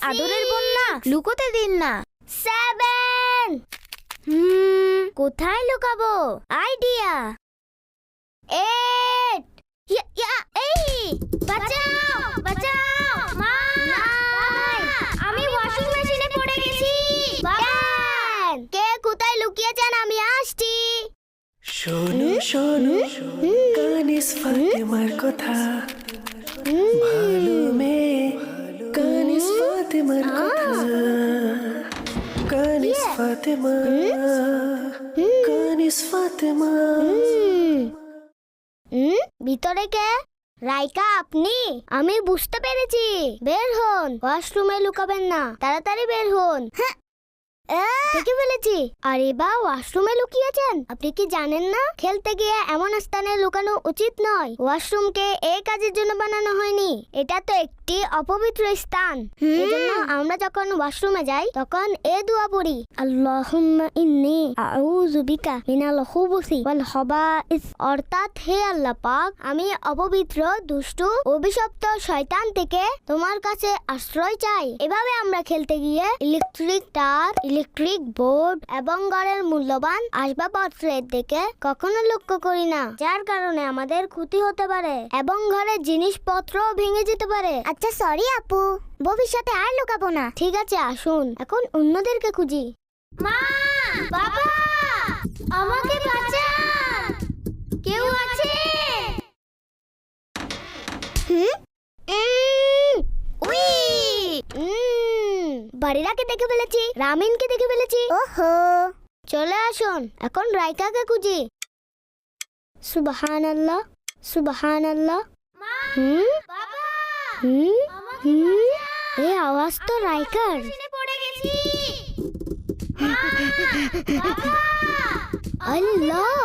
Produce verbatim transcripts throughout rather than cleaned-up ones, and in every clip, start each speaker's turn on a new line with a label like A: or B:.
A: আদরের বোন না, লুকোতে দিন না।
B: সেভেন।
A: হুম, কোথায় লুকাবো? আইডিয়া।
B: এইট।
A: ইয়া ইয়া এই বাঁচাও বাঁচাও মা ভাই, আমি ওয়াশিং মেশিনে পড়ে গেছি।
B: বাবান, কে কোথায় লুকিয়েছেন? আমি আসছি।
C: শোনো শোনো কানিস ফাতেমার কথা, ভালো মেয়ে কানিস ফাতেমার কথা, কানিস ফাতেমা, কানিস ফাতেমা।
B: হুম, ভিতরে কে? রাইকা আপনি? আমি বুঝতে পেরেছি। বের হন, ওয়াশরুমে লুকাবেন না, তাড়াতাড়ি বের হন। হ্যাঁ, দেখে ফেলেছি। আরে বা, ওয়াশরুমে লুকিয়েছেন? আপনি কি জানেন না খেলতে গিয়ে এমন স্থানে লুকানো উচিত নয়? ওয়াশরুমকে এই কাজের জন্য বানানো হয়নি, এটা তো একটি অপবিত্র স্থান। এজন্য আমরা যখন ওয়াশরুমে যাই তখন এ দোয়া পড়ি, আল্লাহুম্মা ইন্নী আউযু বিকা মিনাল খুবুসি ওয়াল খাবাইস। অর্থাৎ, হে আল্লাহ পাক, আমি অপবিত্র, দুষ্টু, অভিশপ্ত শয়তান থেকে তোমার কাছে আশ্রয় চাই। এভাবে আমরা খেলতে গিয়ে ইলেকট্রিক তার, ইলেকট্রিক বোর্ড এবং ঘরের মূল্যবান আসবাবপত্রের দিকে কখনো লক্ষ্য করি না, যার কারণে আমাদের ক্ষতি হতে পারে এবং ঘরের জিনিসপত্র ভেঙে যেতে পারে। আচ্ছা সরি আপু, ভবিষ্যতে আর লুকাবো না। ঠিক আছে, আসুন এখন অন্যদেরকে খুঁজি।
A: মা বাবা, আমাকে বাঁচান, কেউ আছে?
B: হুম, উম, উই, উম, বাড়িরাকে দেখে ফেলেছি, রামিনকে দেখে ফেলেছি। ওহো, চলে আসুন এখন রাইকাকে খুঁজি। সুবহানাল্লাহ, সুবহানাল্লাহ। হুম,
A: বাবা,
B: হুম,
A: আমাকে
B: হুম,
A: বাঁচান,
B: এই আওয়াজ তো রাইকার।
A: মেশিনে পড়ে গেছি। মা বাবা,
B: আল্লাহ,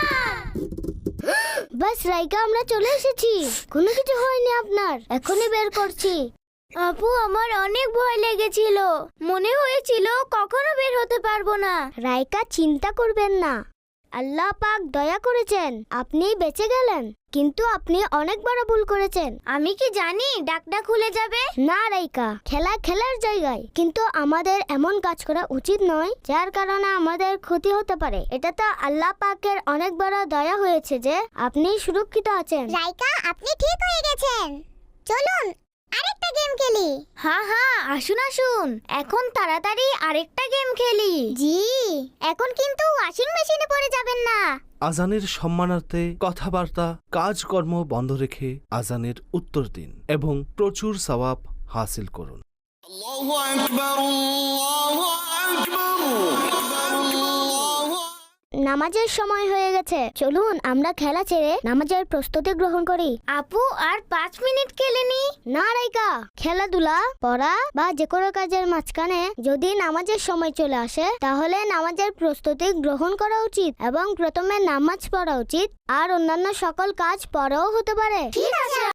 B: বাস রাইকা, আমরা চলে এসেছি। কোনো কিছু হয়নি আপনার, এখনই বের করছি।
A: আপু, আমার অনেক ভয় লেগেছিল, মনে হয়েছিল কখনো বের হতে পারবো না।
B: রাইকা, চিন্তা করবেন না, আল্লাহ পাক দয়া করেছেন, আপনি বেঁচে গেলেন। কিন্তু আপনি অনেক বড় ভুল করেছেন।
A: আমি কি জানি ডাকটা খুলে যাবে?
B: না রাইকা, খেলা খেলার জায়গায়, কিন্তু আমাদের এমন কাজ করা উচিত নয় যার কারণে আমাদের ক্ষতি হতে পারে। এটা তো আল্লাহ পাকের অনেক বড় দয়া হয়েছে যে আপনি সুরক্ষিত আছেন।
D: রাইকা, আপনি ঠিক হয়ে গেছেন। চলুন আরেকটা গেম খেলি।
A: হ্যাঁ হ্যাঁ, আসুন আসুন, এখন তাড়াতাড়ি আরেকটা গেম খেলি।
D: জি, এখন কিন্তু ওয়াশিং মেশিনে পড়ে যাবেন না।
E: আজানের সম্মানার্থে কথাবার্তা কাজকর্ম বন্ধ রেখে আজানের উত্তর দিন এবং প্রচুর সওয়াব হাসিল করুন।
F: আল্লাহু আকবার, আল্লাহু আকবার, আল্লাহু।
B: নামাজের সময় হয়ে গেছে, চলুন আমরা খেলা ছেড়ে নামাজের প্রস্তুতি গ্রহণ করি।
A: আপু, আর পাঁচ মিনিট খেলে নি।
B: না রাইকা, খেলাধুলা, পড়া বা যে কোনো কাজের মাঝখানে যদি নামাজের সময় চলে আসে তাহলে নামাজের প্রস্তুতি গ্রহণ করা উচিত এবং প্রথমে নামাজ পড়া উচিত, আর অন্যান্য সকল কাজ পরেও হতে পারে।
D: ঠিক আছে